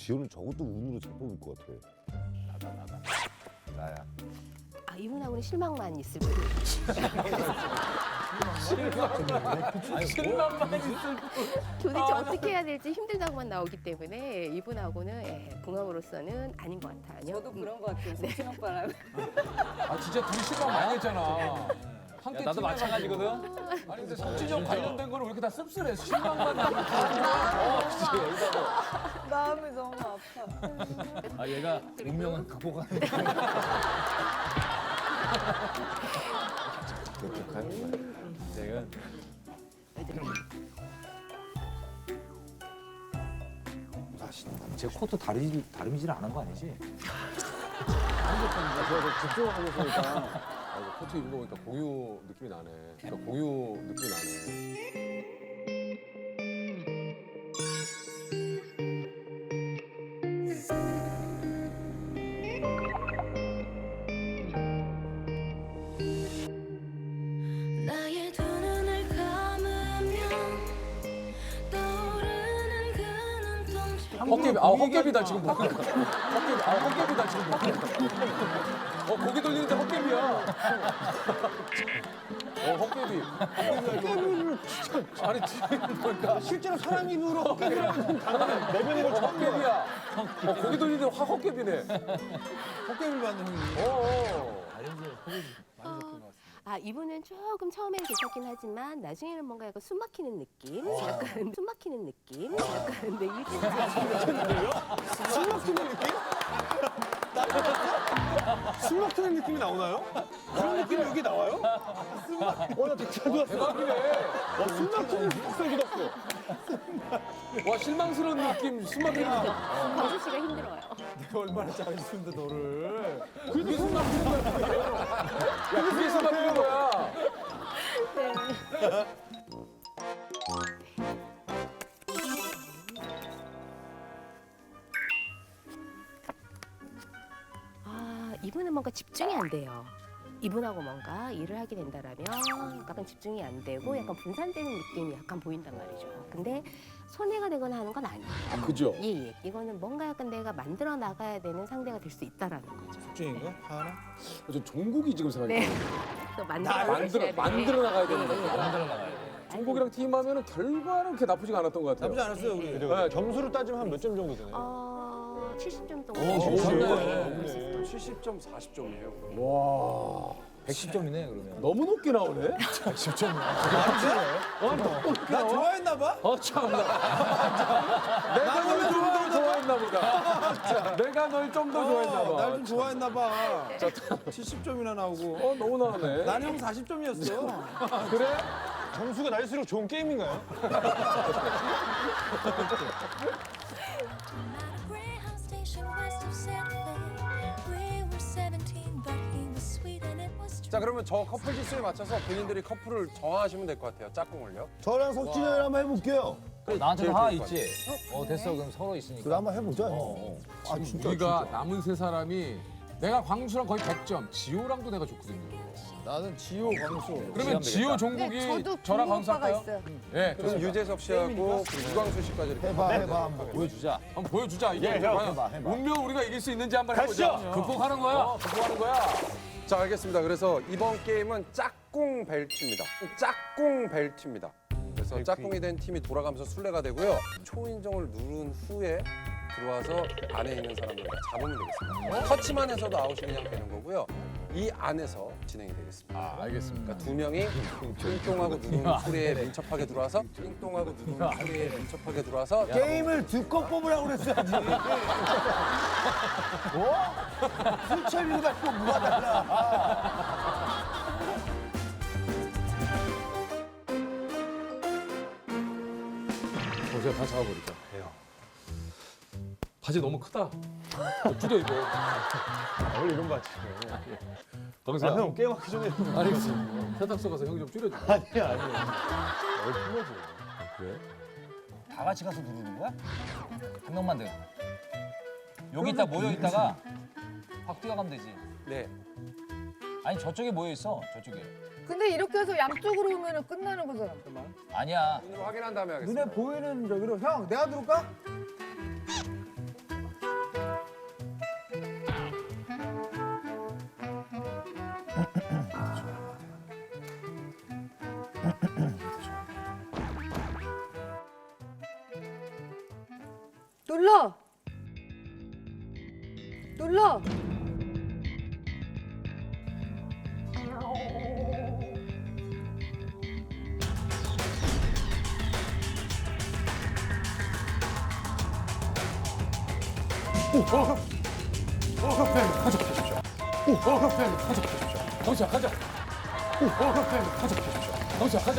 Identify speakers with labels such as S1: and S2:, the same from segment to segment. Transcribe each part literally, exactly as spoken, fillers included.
S1: 지효는 저것도 운으로 잘 뽑을 것 같아.
S2: 나다 나다. 나야.
S3: 아, 이분하고는 실망만 있을 뿐.
S2: 실망만 있을
S3: 도대체 어떻게 해야 될지 힘들다고만 나오기 때문에 이분하고는 예, 궁합으로서는 아닌 것 같아요.
S4: 저도 그런 것 같아요. 성진 오빠랑.
S5: 아 진짜 둘이 실망 많이 했잖아. 함께
S2: 나도
S5: 팀
S2: 마찬가지거든.
S5: 해가지고. 아니 근데 성진이 형 관련된 거는 왜 이렇게 다 씁쓸해? 실망만 나고.
S4: 마음이 너무 아파.
S2: 아 얘가 운명은 극복하는. 내가 제 코트 다리 다름질 안 한 거 아니지?
S5: 제가 집중하고 보니까 아, 이거 코트 입은 거 보니까 공유 느낌이 나네. 그러니까 공유 느낌이 나네.
S6: 나의 두 눈을 감으면 떠오르는 그 눈동자
S5: 헛개비, 아 헛개비다 지금 뭐. 헛개비, 아 헛개비다 지금 뭐. 어 고개 돌리는데 헛개비야. 어 헛개비. 헛개비를 진짜 아니 지금 보니까
S1: 실제로 사람 입으로 헛개비라는 단어를 내뱉는 걸 처음 봐.
S5: 헛개비야. 어 고개 돌리는데 확 헛개비네.
S1: 헛개비를 받는 형님.
S5: 어. 어.
S3: 아, 이분은 조금 처음에는 괜찮긴 하지만 나중에는 뭔가 약간 숨 막히는 느낌? 약간 숨 막히는 느낌? 약간 근데 일찍
S1: 술 막히는 느낌? 술 막히는 느낌이 나오나요? 그런 느낌이 여기 나와요? 술 막... 어, 나 되게 잘 들었어.
S5: 대박이네.
S1: 와, 술 막히는 느낌 들었어.
S5: 와 실망스러운 느낌, 숨막히는 느낌.
S3: 광수 씨가 힘들어요.
S2: 내가 얼마나 잘해주는데 너를.
S5: 그게 숨막히는 거야. 야 그게 숨막히는 거야.
S3: 아, 이분은 뭔가 집중이 안 돼요. 이분하고 뭔가 일을 하게 된다라면 약간 집중이 안 되고 약간 분산되는 느낌이 약간 보인단 말이죠. 근데 손해가 되거나 하는 건 아니에요.
S5: 아 그죠?
S3: 예, 예. 이거는 뭔가 약간 내가 만들어 나가야 되는 상대가 될 수 있다라는 거죠.
S1: 중인가? 하나?
S5: 저 종국이 지금 생각이
S3: 네.
S5: 나.
S3: 또 만들어
S5: 만들어
S3: 나가셔야
S5: 만들어 나가야 되는
S3: 네.
S5: 거야.
S2: 만들어 나가야 돼.
S5: 종국이랑 팀하면은 결과는 그렇게 나쁘지가 않았던 것 같아요.
S1: 나쁘지 않았어요, 우리.
S5: 네.
S1: 점수를 따지면 한 몇 점 정도 되나요?
S3: 어, 칠십 점 정도.
S1: 오,
S5: 칠십 점.
S1: 좋네.
S7: 칠십 점, 사십 점이에요.
S5: 와
S2: 백십 점이네 그러면.
S5: 너무 높게 나오네.
S2: 백십 점.
S1: 나 좋아했나 봐?
S5: 어 참나. 내가 널 좀 더 좋아했나 보다. 내가 널 좀 더 좋아했나 봐.
S1: 날 좀 좋아했나 봐. 칠십 점이나 나오고.
S5: 어 너무 나오네.
S1: 나는 형 사십 점이었어.
S5: 그래?
S1: 점수가 날수록 좋은 게임인가요?
S6: Greyhound station west of Santa Fe. We were seventeen, but he was sweet and it was true.
S7: 자, 그러면 저 커플 지수에 맞춰서 본인들이 커플을 정하시면 될 것 같아요. 짝꿍을요.
S1: 저랑 석진이 형 한번 해볼게요.
S2: 그래 나한테도
S7: 제일
S2: 하나
S7: 좋을 것
S2: 있지. 어 됐어 그럼 서로 있으니까.
S1: 그래 한번 해보자. 아 진짜.
S5: 우리가 남은 세 사람이 내가 광수랑 거의 백 점, 지호랑도 내가 좋거든요.
S1: 나는 지호 광수.
S5: 그러면 지호, 종국이 저랑 광수 할까요? 예,
S7: 그럼 유재석 씨하고 그리고 유광수 씨까지 이렇게.
S1: 해봐 해봐 한번.
S2: 보여주자.
S5: 한번 보여주자. 이게
S1: 예, 형,
S5: 과연
S1: 해봐, 해봐.
S5: 운명 우리가 이길 수 있는지 한번 해보자. 극복하는 거야. 어, 극복하는 거야.
S7: 자, 알겠습니다. 그래서 이번 게임은 짝꿍 벨트입니다. 짝꿍 벨트입니다. 그래서 짝꿍이 된 팀이 돌아가면서 술래가 되고요. 초인종을 누른 후에 들어와서 안에 있는 사람들을 잡으면 되겠습니다. 터치만 해서도 아웃이 그냥 되는 거고요. 이 안에서 진행이 되겠습니다.
S5: 아, 알겠습니다.
S7: 그러니까 두 명이 띵똥하고 누르는 소리에 민첩하게 들어와서 띵똥하고 누르는 소리에 민첩하게 들어와서
S1: 게임을 두껏 뽑으라고 그랬어야지. 뭐? 술채비고 갖고 뭐가 달라.
S5: 어, 제가 다 잡아버리자. 해요. 바지 너무 크다. 어, 줄여 입어.
S1: 원래 이런 거 같지.
S5: 광수야.
S1: 아, 형 게임하기 전에.
S5: 알겠어. 세탁소 가서 형이 좀 줄여줘.
S1: 아니야 아니야. 얼큰 거지.
S5: 그래?
S2: 다 같이 가서 누르는 거야? 한 명만 돼. 여기 있다 모여 있다가 확 뛰어가면 되지.
S7: 네.
S2: 아니 저쪽에 모여 있어 저쪽에.
S4: 근데 이렇게 해서 양쪽으로 오면 끝나는 거잖아.
S2: 아니야.
S7: 눈으로 확인한 다음에 하겠습니다.
S1: 눈에 보이는 저기로 형 내가 누를까?
S4: 눌러. 눌러.
S2: 경수야 가자. 경수야 가자.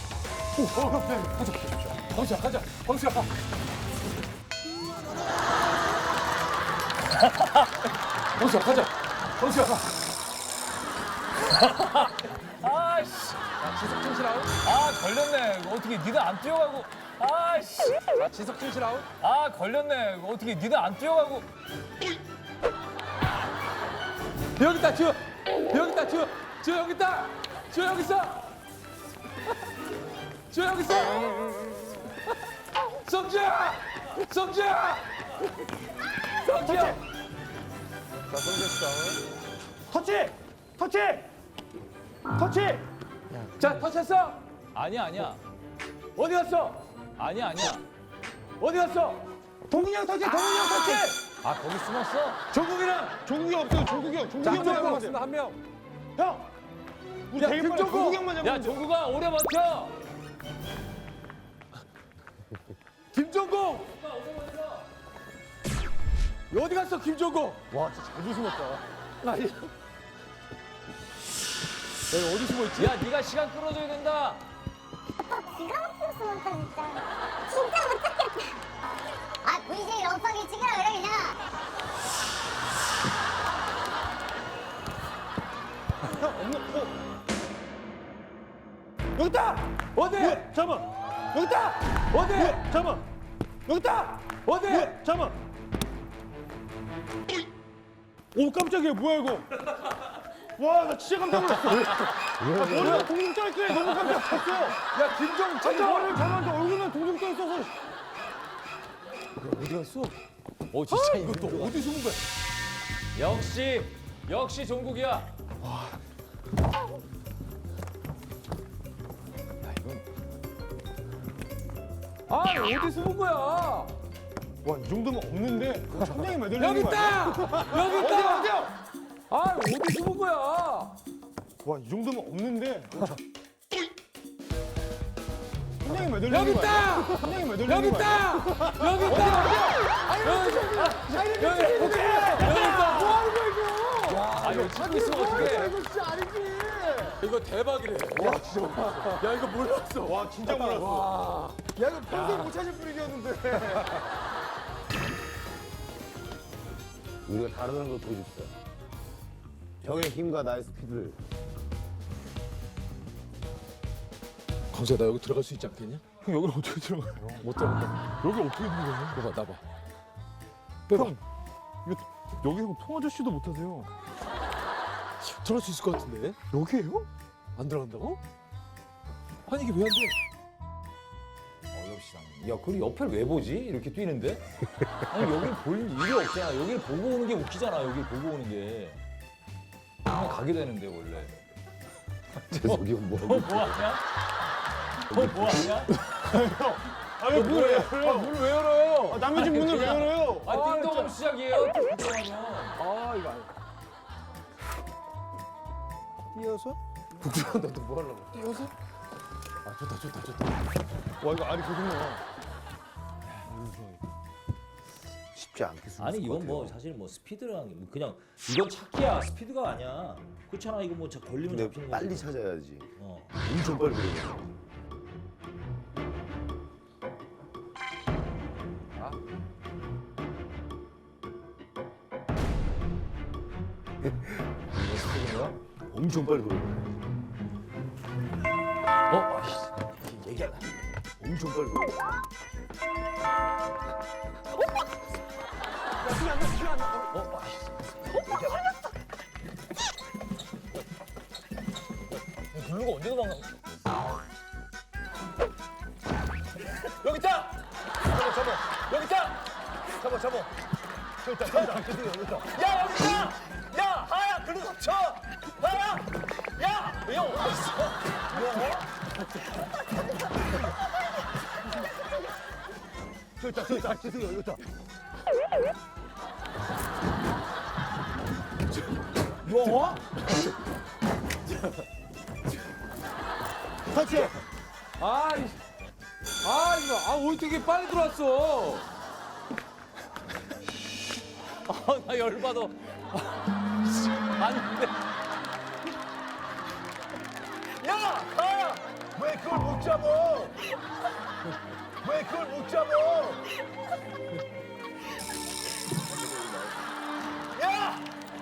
S2: 경수야 가자. 경수야 가. 경수야 가자. 경수야 가. 아씨.
S7: 지석 진실 아웃.
S2: 아 걸렸네. 이거 어떻게 니들 안 뛰어가고. 아씨.
S7: 자, 지석 진실 아웃.
S2: 아 걸렸네. 이거 어떻게 니들 안 뛰어가고.
S5: 여기 있다, 지호. 여기 있다, 지호. 지호 여기 있다. 지호 여기 있어. 지호 여기 있어. 성주야! 성주야! 성주야!
S7: 자, 성재 씨 아웃.
S1: 터치! 터치! 터치!
S5: 자, 터치했어.
S2: 아니야 아니야.
S5: 어디 갔어?
S2: 아니야 아니야.
S5: 어디 갔어?
S1: 동훈이 형 터치! 동훈이 형 터치!
S2: 아 거기 숨었어?
S1: 종국이랑 종국이 없어요. 종국이 형. 종국이
S7: 자,
S1: 형만
S7: 한 명
S1: 잡으면 돼요.
S7: 없습니다, 한 명.
S1: 형! 우리
S5: 야,
S1: 되게 빨리
S5: 김종국!
S1: 종국이 형만
S2: 야
S1: 잡으면 돼요.
S2: 종구가 오래 버텨.
S5: 김종국! 어디 갔어, 김종국?
S1: 와, 진짜 잘 조심했다.
S5: 아니. 내가 어디 숨어 있지?
S2: 야 네가 시간 끌어줘야 된다.
S8: 기가 막혀서 못하 진짜 진짜 못하겠다 아 브이제이 럼빵이 찍으라 그래 그냥
S1: 형, 없는, 어? 여기 있다!
S5: 어디?
S1: 예, 잠깐만. 여기 있다!
S5: 어디?
S1: 예, 잠깐만. 여기 있다!
S5: 어디?
S1: 예, 잠깐만. 오, 깜짝이야. 뭐야, 이거? 와, 나 진짜 깜짝 놀랐어. 아, 머리가 동동 떠있길래 너무 깜짝 놀랐어.
S5: 야, 김종국
S1: 아니,
S5: 찾아!
S1: 머리를 잡았는데 얼굴만 동동 떠있어서.
S5: 어디 갔어?
S2: 오 진짜
S5: 이거 또 어디 숨은 거야?
S2: 역시 역시 종국이야.
S5: 아, 어디 숨은 거야?
S1: 와, 이 정도면 없는데. 천장에 매달리는
S5: 여기
S1: 거 아니야?
S5: 있다! 여기
S1: 어디야,
S5: 있다!
S1: 어디야?
S5: 아, 어디 숨은 거야?
S1: 와, 이 정도면 없는데. 천장에 매달리는
S5: 여기
S1: 거 아니야?
S5: 있다!
S1: 천장에 매달리는
S5: 여기
S1: 거 아니야?
S5: 있다! 여기 있다! 여기 여기 여기 있다!
S1: 뭐 하는 거야, 이거?
S2: 아 이거 찾고 있으면 어떡해.
S1: 이거 진짜 아니지.
S5: 이거 대박이래. 와, 진짜. 야, 이거 몰랐어.
S1: 와, 진짜 몰랐어. 야, 이거 평생 못 찾을 분위기였는데.
S9: 우리가 다르다는 걸 보여줍시다. 형의 힘과 나의 스피드를.
S5: 강수야, 나 여기 들어갈 수 있지 않겠냐?
S1: 형, 여기를 어떻게 들어가요?
S5: 못 들어간다.
S1: 여기 어떻게 들어가요?
S5: 나봐, 나봐.
S1: 형, 이거 여기서 통화 아저씨도 못 하세요.
S5: 들어갈 수 있을 것 같은데?
S1: 여기에요?
S5: 안 들어간다고? 아니, 이게 왜 안 돼?
S2: 어렵시다. 야 그리고 옆을 왜 보지? 이렇게 뛰는데? 아니 여기를 볼 일이 없잖아. 여기를 보고 오는 게 웃기잖아. 여기를 보고 오는 게. 그냥 가게 되는데 원래.
S9: 저기 뭐
S2: 어 뭐하냐? 어 뭐하냐?
S1: 아, 왜 문을 왜 열어요?
S5: 문을 왜 열어요?
S1: 아, 남의 집 문을 왜 열어요?
S2: 아 띵동하면 시작이에요. 띵동하면.
S5: 아, 이거 아니야.
S1: 뛰어서?
S5: 북주한다, 너뭐 하려고? 뛰어서? 아, 좋다, 좋다, 좋다.
S1: 와, 이거 알이 계속 나와.
S9: 쉽지 않게 쓰는
S10: 아니 이건 뭐 사실 뭐 스피드라는 게 뭐 그냥 이건 찾기야 스피드가 아니야 그렇잖아 이거 뭐 자- 걸리면
S9: 근데
S10: 잡히는
S9: 빨리
S10: 거지.
S9: 찾아야지.
S10: 어.
S9: 엄청 빨리 걸려.
S10: 이거 스피드인가?
S9: 엄청 빨리 걸려.
S10: 어? 아이씨 얘기하다
S9: 엄청 빨리 걸려.
S10: 어? 아이씨
S2: 블루가 언제 도망가? 여기 있다! 잡아 잡아 여기 있다! 잡아 잡아 여기 있다 잡아 여기 있다 야 여기 있다! 야 하야 그리고 쳐! 하야! 야! 야 어디 있어? 저기 있다, 저기 있다. 지승이 여기 있다. 뭐? 같이.
S5: 아, 이, 아 이거 아 어떻게 빨리 들어왔어?
S2: 아, 나 열받아. 안 돼. 야! 아! 왜 그걸 못 잡어? 왜 그걸 못 잡어? 야!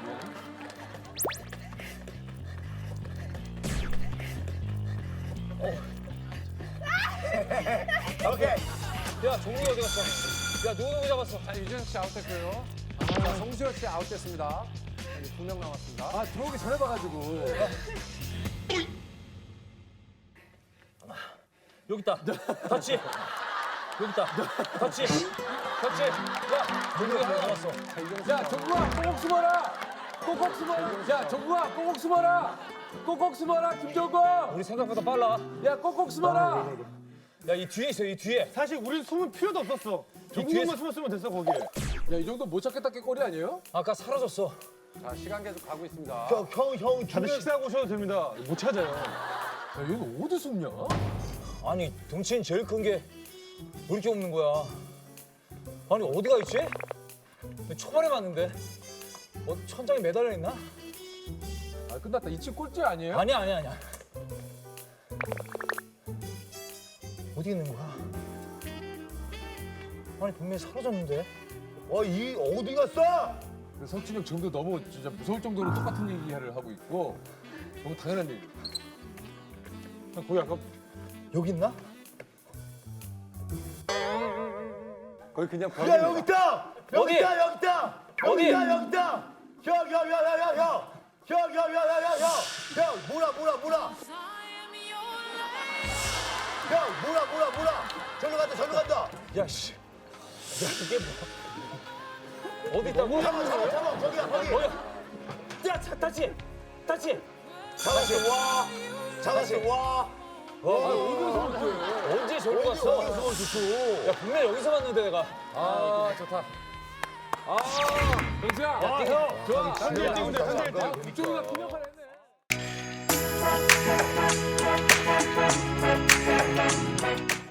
S2: 오케이. 야, 종국이 어디 갔어? 야, 누구 누구 잡았어?
S7: 자, 유재석 씨 아웃됐고요. 자, 송시혁 씨 아웃됐습니다. 두 명 남았습니다.
S5: 아 들어오기 전에 봐가지고.
S2: 여기 있다. 터치. 여기 있다. 터치. 터치. 야, 종국이 하나 남았어.
S5: 야 정국아 꼭꼭 숨어라. 꼭꼭 숨어라. 야 정국아 꼭꼭 숨어라. 꼭꼭 숨어라 김정국.
S2: 우리 생각보다 빨라.
S5: 야 꼭꼭 숨어라.
S2: 야, 이 뒤에 있어, 이 뒤에.
S1: 사실 우리 숨을 필요도 없었어. 종국만 숨었으면 됐어 거기에.
S5: 야 이 정도 못 찾겠다 게 꼴이 아니에요?
S2: 아까 사라졌어.
S7: 자, 시간 계속 가고 있습니다.
S2: 형, 형, 형.
S1: 다들 식사하고 오셔도 됩니다. 못 찾아요.
S5: 야 얘는 어디 숨냐?
S2: 아니, 덩치는 제일 큰 게 왜 이렇게 없는 거야? 아니, 어디가 있지? 초반에 봤는데. 어, 천장에 매달려 있나?
S5: 아 끝났다. 이 친구 꼴찌 아니에요?
S2: 아니야, 아니야, 아니야. 어디 있는 거야? 아니, 분명히 사라졌는데. 어, 이 어디 갔어?
S5: 석진이 형 지금도 너무 진짜 무서울 정도로 똑같은 얘기를 하고 있고 너무 당연한 얘기.
S1: 거기 아까
S2: 여기 있나?
S7: 거기 그냥
S2: 야,
S7: 벽입니다.
S2: 여기 있다! 여기
S11: 어디?
S2: 있다, 여기 있다!
S11: 어디?
S2: 여기 있다, 여기 있다! 형, 형, 형, 형, 형, 형! 형, 형, 형, 형, 형, 형! 형, 뭐라, 뭐라, 뭐라! 형, 뭐라, 뭐라, 뭐라! 절로 간다, 절로 간다! 야, 씨. 야, 이게 뭐. 어디 있다고? 잡아, 잡아, 잡아! 거기야, 거기! 야, 차, 다치! 다치! 잡았어, 와! 잡았어, 와! 와, 어디서 봤어요? 언제 저기 갔어? 어디서 봤어? 야, 분명 여기서 봤는데 내가.
S5: 아 좋다. 아 영수야.
S2: 야, 형!
S5: 좋아.
S1: 한대 일 등인데 한대 일 등.
S5: 아, 이쪽이가 통역을 했네.